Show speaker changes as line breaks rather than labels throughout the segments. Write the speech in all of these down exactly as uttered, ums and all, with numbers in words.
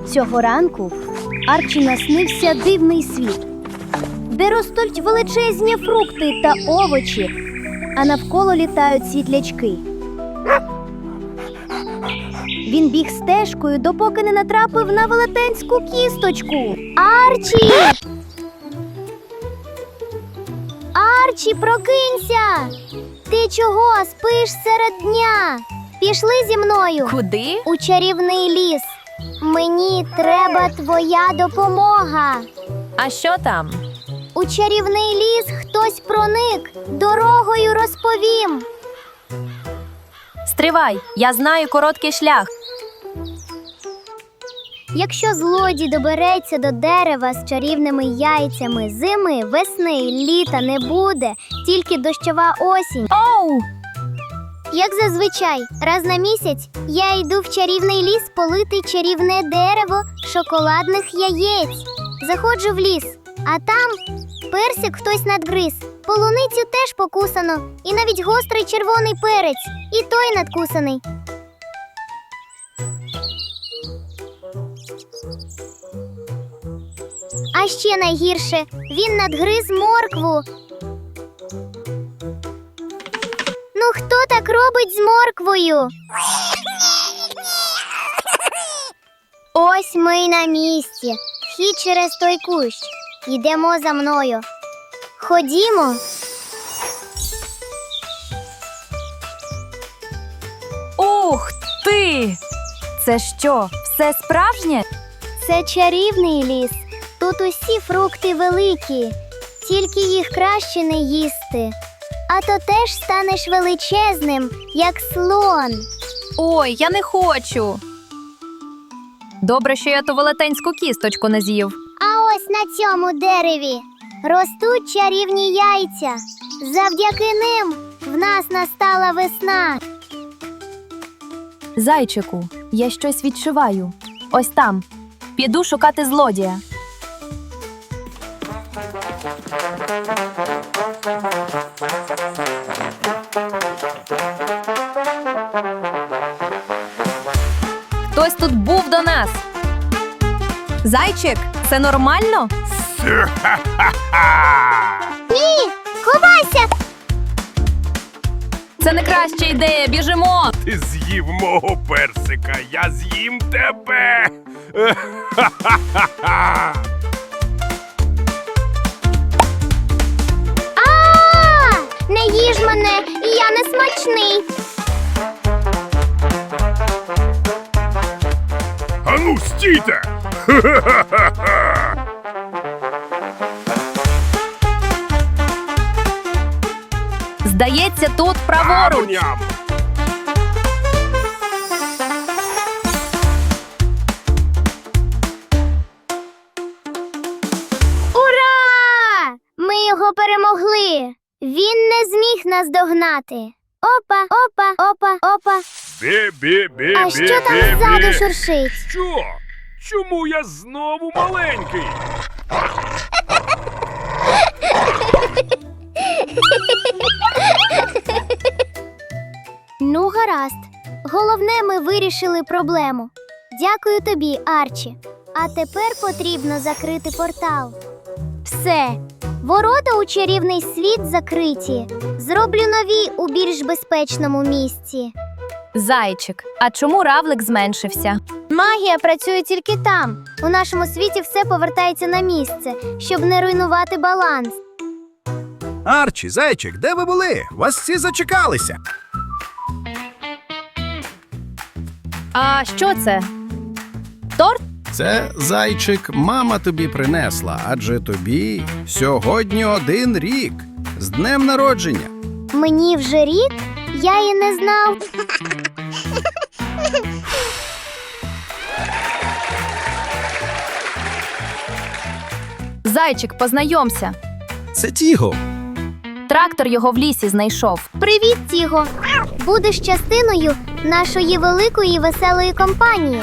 Цього ранку Арчі наснився дивний світ, де ростуть величезні фрукти та овочі, а навколо літають світлячки. Він біг стежкою, допоки не натрапив на велетенську кісточку. Арчі! Арчі, прокинься! Ти чого спиш серед дня? Пішли зі мною.
Куди?
У чарівний ліс. Мені треба твоя допомога.
А що там?
У чарівний ліс хтось проник. Дорогою розповім.
Стривай, я знаю короткий шлях.
Якщо злодій добереться до дерева з чарівними яйцями, зими, весни, літа не буде, тільки дощова осінь.
Оу!
Як зазвичай, раз на місяць я йду в чарівний ліс полити чарівне дерево шоколадних яєць. Заходжу в ліс, а там персик хтось надгриз, полуницю теж покусано, і навіть гострий червоний перець, і той надкусаний. А ще найгірше, він надгриз моркву. Ну хто так робить з морквою? Ось ми й на місці. Вхід через той кущ. Йдемо за мною. Ходімо.
Ух ти! Це що, все справжнє?
Це чарівний ліс. Тут усі фрукти великі. Тільки їх краще не їсти. А то теж станеш величезним, як слон.
Ой, я не хочу. Добре, що я ту велетенську кісточку не з'їв.
А ось на цьому дереві ростуть чарівні яйця. Завдяки ним в нас настала весна.
Зайчику, я щось відчуваю. Ось там. Піду шукати злодія. Хтось тут був до нас. Зайчик, це нормально?
Ні, ховайся!
Це не краща ідея, біжимо!
Ти з'їв мого персика, я з'їм тебе.
А! Не їж мене, я не смачний.
Ану, стійте!
Здається, тут праворуч.
Ням.
Ура! Ми його перемогли. Він не зміг нас догнати. Опа, опа, опа, опа.
Бі-бі-бі-бі-бі.
А що там ззаду шуршить?
Що? Чому я знову маленький?
Ну, гаразд. Головне, ми вирішили проблему. Дякую тобі, Арчі. А тепер потрібно закрити портал. Все. Ворота у чарівний світ закриті. Зроблю нові у більш безпечному місці.
Зайчик, а чому равлик зменшився?
Магія працює тільки там. У нашому світі все повертається на місце, щоб не руйнувати баланс.
Арчі, зайчик, де ви були? Вас всі зачекалися.
А що це? Торт?
Це, зайчик, мама тобі принесла, адже тобі сьогодні один рік. З днем народження.
Мені вже рік? Я і не знав.
Зайчик, познайомся.
Це Тіго.
Трактор його в лісі знайшов.
Привіт, Тіго! Будеш частиною нашої великої веселої компанії.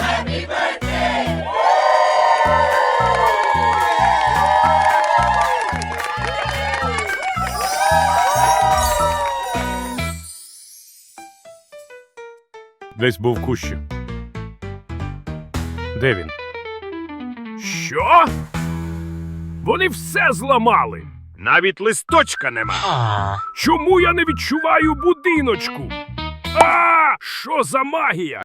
Десь був в кущі. Де він? Що? Вони все зламали. Навіть листочка нема. Чому я не відчуваю будиночку? А, що за магія?